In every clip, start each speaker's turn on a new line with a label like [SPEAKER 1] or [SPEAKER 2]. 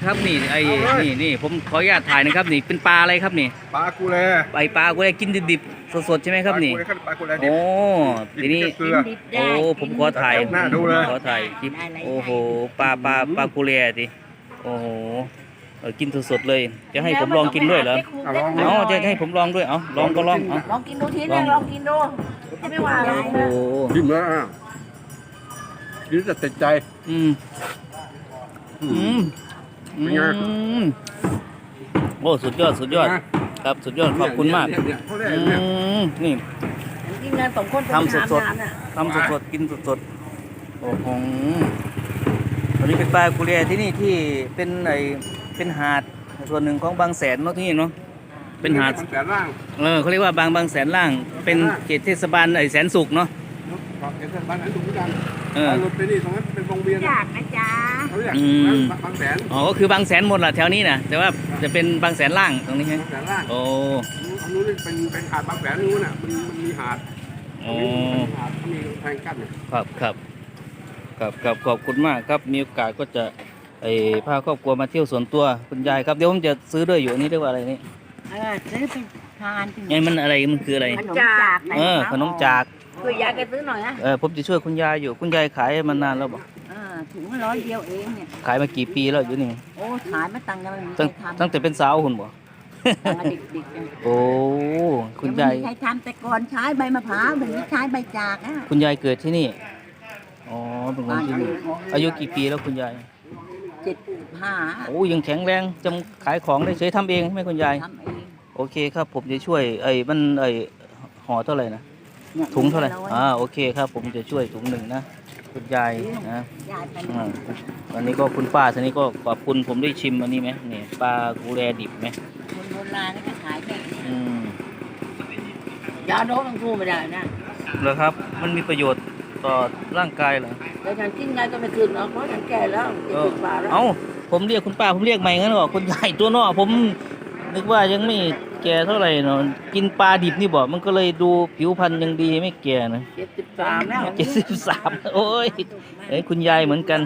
[SPEAKER 1] ครับนี่ไอ้นี่ผมขออนุญาตถ่ายนะครับนี่เป็นปลาอะไรครับนี่
[SPEAKER 2] ปลากูแล
[SPEAKER 1] ปลากูได้กินดิบๆสดๆใช่ไหมครับนี่
[SPEAKER 2] ปลากูแลดิบ
[SPEAKER 1] โอ้ทีนี้
[SPEAKER 2] เกลือ
[SPEAKER 1] โอ้ผมขอถ่ายขอถ่ายคลิปโอ้โหปลากูแลดิโอ้โหกินสดๆเลยจะให้ผมลองกินด้วยเหรออ๋อจะให้ผมลองด้วยเอาลองก็ลองเอา
[SPEAKER 3] ลองกินดูทีนึงลองกินดูไม่ว่าอะไรนะ
[SPEAKER 1] โอ้โห
[SPEAKER 2] กินแล้วกินจะติดใจเป็นไง
[SPEAKER 1] โอ้สุดยอดครับสุดยอดขอบคุณมากนี่
[SPEAKER 3] กินงานสองคน
[SPEAKER 1] ทำสดกินสดโอ้โหตอนนี้เป็นปลากุเรียที่นี่ที่เป็นหาดส่วนหนึ่งของบางแสนเนาะที่นี่เนาะเป็นหาด
[SPEAKER 2] บางแสนล่าง
[SPEAKER 1] เขาเรียกว่าบางแสนล่างเป็นเขตเทศบาลแสนสุขเนาะ
[SPEAKER 2] เขตเทศบาลแสนสุขเหมือนกันรถไปนี่ตรงนั้นเป็นวงเวียน
[SPEAKER 3] อยากนะจ๊ะ
[SPEAKER 2] เขาเรียกบางแสน
[SPEAKER 1] อ๋อก็คือบางแสนหมดแหละแถวนี้นะแต่ว่าจะเป็นบางแสนล่างตรงนี้ใช่ไหม
[SPEAKER 2] บางแสนล่าง
[SPEAKER 1] โอ้
[SPEAKER 2] นู้นเป็นหาดบางแสนนู้นน่ะมันมีหาดหาดมีแทงกั้น
[SPEAKER 1] ครับขอบคุณมากครับมีโอกาสก็จะพาครอบครัวมาเที่ยวสวนตัวคุณยายครับเดี๋ยวผมจะซื้อด้วยอยู่นี่เรียกว่าอะไรนี่
[SPEAKER 3] ซื้อไปทาน
[SPEAKER 1] ไงมันอะไรมันคืออะไร
[SPEAKER 3] ขนมจาก
[SPEAKER 1] ขนมจาก
[SPEAKER 3] ช่วยยายแกซื้อหน่อยนะ
[SPEAKER 1] ผมจะช่วยคุณยายอยู่คุณยายขายมานานแล้วบอก
[SPEAKER 3] ถุง100 เดียวเองเนี่ย
[SPEAKER 1] ขายมากี่ปีแล้วอยู่นี่
[SPEAKER 3] โอ้ขายมาตั้
[SPEAKER 1] งแต่เป็นสาวคุณบอก
[SPEAKER 3] เด็ก
[SPEAKER 1] โอ้คุณยาย
[SPEAKER 3] ใช้ทำแต่ก่อนใช้ใบมะพร้าวเดี๋ยวนี้ใช้ใบจาก
[SPEAKER 1] คุณยายเกิดที่นี่อ๋อเป็นคนที่นี่อายุกี่ปีแล้วคุณยาย
[SPEAKER 3] 75
[SPEAKER 1] โอ้ยังแข็งแรงจำขายของได้เฉยทำเองไหมคุณยาย
[SPEAKER 3] ทำเอง
[SPEAKER 1] โอเคครับผมจะช่วยมันห่อเท่าไหร่นะถุงเท่าไหร่โอเคครับผมจะช่วยถุงหนึ่งนะคุณยายนะวันนี้ก็คุณป้าท่านนี้ก็ขอบคุณผมได้ชิมอันนี้ไหมนี่ปลากูแลดิบไหม
[SPEAKER 3] คนโบราณนี่ก็ขายแบบยาโน้มต้องพูดไม่ได้นะ
[SPEAKER 1] เหรอครับมันมีประโยชน์ต่อร่างกายเหรอ
[SPEAKER 3] แต่ฉันกินไงก็ไม่คืนเนาะเพราะฉันแก่แล้ว70 กว่าแล้ว
[SPEAKER 1] ผมเรียกคุณป้าผมเรียกใหม่งั้นหรอคุณยายตัวนอกผมนึกว่ายังไม่แก่เท่าไหร่เนาะกินปลาดิบนี่บอกมันก็เลยดูผิวพรรณยังดีไม่แก่นะ
[SPEAKER 3] 73แล้ว
[SPEAKER 1] 73โอ้ยคุณยายเหมือนกัน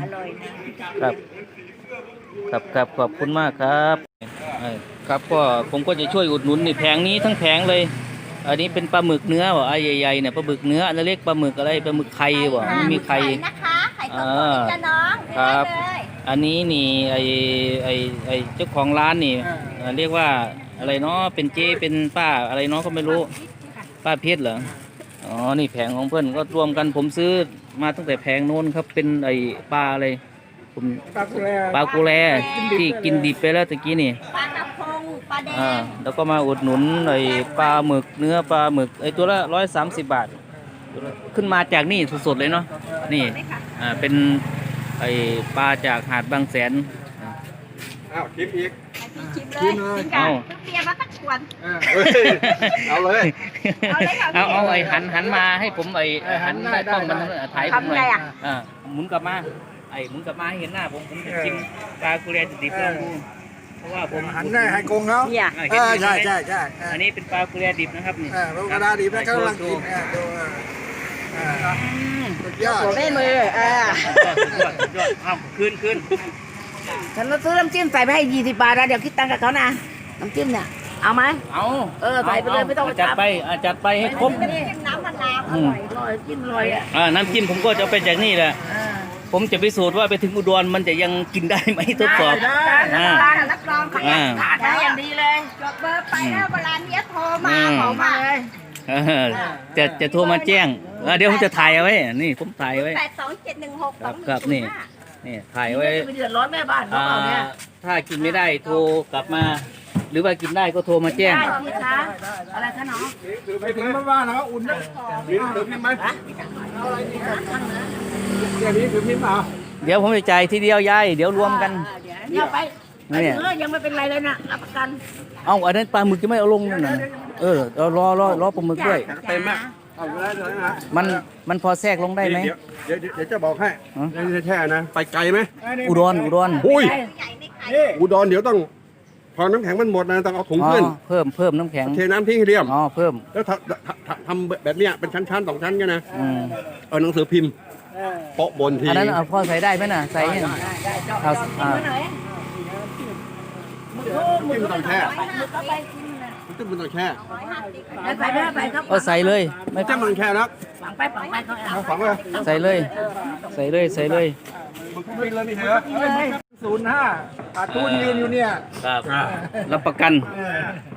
[SPEAKER 1] ครับขอบคุณมากครับครับก็ผมก็จะช่วยอุดหนุนนี่แผงนี้ทั้งแผงเลยอันนี้เป็นปลาหมึกเนื้อบอกใหญ่ๆเนี่ยปลาหมึกเนื้ออันเล็กปลาหมึกอะไรปลาหมึกไข่บอกมีไข่
[SPEAKER 3] นะคะไข่ต้มจะน้อง
[SPEAKER 1] ครับอันนี้นี่เจ้าของร้านนี่เรียกว่าอะไรเนาะเป็นเจ๊เป็นป้าอะไรเนาะก็ไม่รู้ป้าเพชรเหรออ๋อนี่แผงของเพื่อนก็รวมกันผมซื้อมาตั้งแต่แผงโน้นครับเป็นปลาอะไรผมปลากูแลที่กินดิบไปแล้วตะกี้นี่
[SPEAKER 3] ปลากระพงปลาแดง
[SPEAKER 1] แล้วก็มาอุดหนุนปลาหมึกเนื้อปลาหมึกตัวละ130 บาทขึ้นมาจากนี่สดๆเลยเนาะนี่เป็นปลาจากหาดบางแสน
[SPEAKER 2] ชิมอีก
[SPEAKER 3] ชิมเลยเปียกมาสักขวด
[SPEAKER 2] เอาเลย
[SPEAKER 1] เอาหันมาให้ผมหันได้กล้องมันถ่ายผมหน่อยหมุนกลับมาหมุนกลับมาให้เห็นหน้าผมจะชิมปลากูแลดิบๆแล้วเพราะว่าผม
[SPEAKER 2] หันได้ให้กงเขาใช่
[SPEAKER 1] อันนี้เป็นปลากูแลดิบนะครับนี่
[SPEAKER 2] ปลากูแลดิบนะกำลังกินสุดยอด
[SPEAKER 3] ไม่มือ
[SPEAKER 1] สุดยอดคืน
[SPEAKER 3] ฉันซื้อน้ำจิ้มใส่ไปให้20 บาทแล้วเดี๋ยวคิดตังค์กับเขานะน้ำจิ้มเนี่ยเอาไหมใส่ไปเลยไม่ต้อง
[SPEAKER 1] จัดไปให้ครบ
[SPEAKER 3] น้ำมะนาวอร่อยกินอร่อย
[SPEAKER 1] น้ำจิ้มผมก็จะไปจากนี่แหละผมจะพิสูจน์ว่าไปถึงอุดรมันจะยังกินได้ไหมทดสอบ
[SPEAKER 3] รับรองขาดได้อย่างดีเลยจดเบอร์ไปแล้วเวลานี้โทรมาขอมาเลย
[SPEAKER 1] จะโทรมาแจ้งเดี๋ยวผมจะถ่ายเอาไว้นี่ผมถ่ายไว้
[SPEAKER 3] 82716
[SPEAKER 1] ครับนี่ถ่ายไว้
[SPEAKER 3] ไม่เดือดร้อนแม่บ้านเขาเนี่ย
[SPEAKER 1] ถ้ากินไม่ได้โทรกลับมาหรือว่ากินได้ก็โทรมาแจ้ง
[SPEAKER 3] ได้พี่คะอะไรคะน้อง
[SPEAKER 2] ไปถึงบ้านนะอุ่นนะถือพิมพ์ไหมอะไรนี่นี้ถือพิมพ์เปล่า
[SPEAKER 1] เดี๋ยวผมจะจ่ายทีเดียวยายเดี๋ยวรวมกัน
[SPEAKER 3] เดี๋ยวไปยังไม่เป็นไรเลยนะรับประกัน
[SPEAKER 1] อันนั้นปลาหมึกจะไม่เอาลงนั่นนะรอปลาหมึกด้วย
[SPEAKER 2] เต็มไหม
[SPEAKER 1] มันพอแทรกลงได้ไหม
[SPEAKER 2] เดี๋ยวจะบอกให้แช่นะไปไกลไหม
[SPEAKER 1] อุดร
[SPEAKER 2] อุดรเดี๋ยวต้องพอน้ำแข็งมันหมดนะต้องเอาถุงขึ้น
[SPEAKER 1] เพิ่มน้ำแข็ง
[SPEAKER 2] เทน้ำทิ้งให้เรียบ
[SPEAKER 1] เพิ่ม
[SPEAKER 2] แล้วทำแบบเนี้ยเป็นชั้นๆ2 ชั้นกันนะเอาหนังสือพิมพ์โปะบนที
[SPEAKER 1] อันนั้นพอใส่ได้ไหมน่ะใส่เอา
[SPEAKER 2] จิ้มมันต้องแช่น้ำจิ้มมันต้องแช่
[SPEAKER 3] แล้วใส่ไปแล้วใส่ครับ
[SPEAKER 1] เอาใส่เลยไม่
[SPEAKER 2] น้ำจิ้มมันต้องแช่แล้ว
[SPEAKER 3] ฝังไปเขาเอา
[SPEAKER 2] เอาฝังเลย
[SPEAKER 1] ใส่เลย ใส่เลยใส่เลย
[SPEAKER 2] มันก็บินเลยนี่เหรอ05ขาดทุนยืนอยู่เนี่ย
[SPEAKER 1] ครับรับประกัน
[SPEAKER 2] เออ